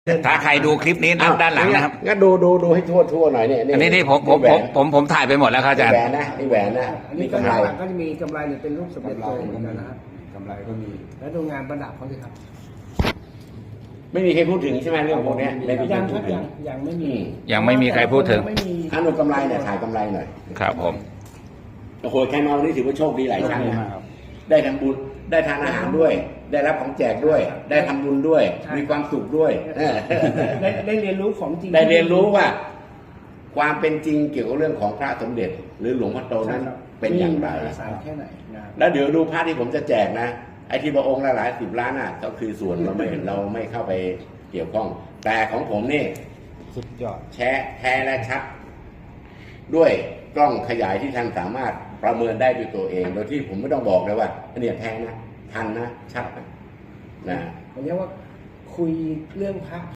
ถ้าใครดูคลิปนี้ด้านหลังนะครับงั้นดูให้ทั่วหน่อยเนี่ยอันนี้ผมถ่ายไปหมดแล้วครับอาจารย์แหวนนะนี่แหวนนะอันนี้กำไรก็จะมีกำไรเนี่ยเป็นรูปสมเด็จโตเหมือนกันนะครับกำไรก็มีแล้วดูงานประดับเขาสิครับไม่มีใครพูดถึงใช่ไหมเรื่องพวกนี้ไม่มีใครยังคพูรัดบถึงยังไม่มียังไม่มีใครพูดถึงไม่มีอันดูกำไรเนี่ยถ่ายกำไรหน่อยครับผมโอ้โหใครมาวันนี้ถือว่าโชคดีหลายชั้นดีนะมากครับได้ทำบุญได้ทานอาหารด้วย ได้รับของแจกด้วย ได้ทำบุญด้วย มีความสุขด้วยได้เรียนรู้ของจริงได้เรียนรู้ว่า ความเป็นจริงเกี่ยวกับเรื่องของพระสมเด็จ หรือหลวงพ่อโตนั้นเป็นอย่างไรมีมหาศาลแค่ไหนนะครับแล้วเดี๋ยวดูพระที่ผมจะแจกนะไอ้ที่พระองค์ละหลายสิบล้านอ่ะก็คือส่วนเราไม่เข้าไปเกี่ยวข้อง แต่ของผมนี่สุดยอดแท้และชัด ด้วยกล้องขยายที่ท่านสามารถประเมินได้ด้วยตัวเอง โดยที่ผมไม่ต้องบอกเลยว่าเนี่ยแท้นะทันนะชัดนะผมเรียกว่าคุยเรื่องพระ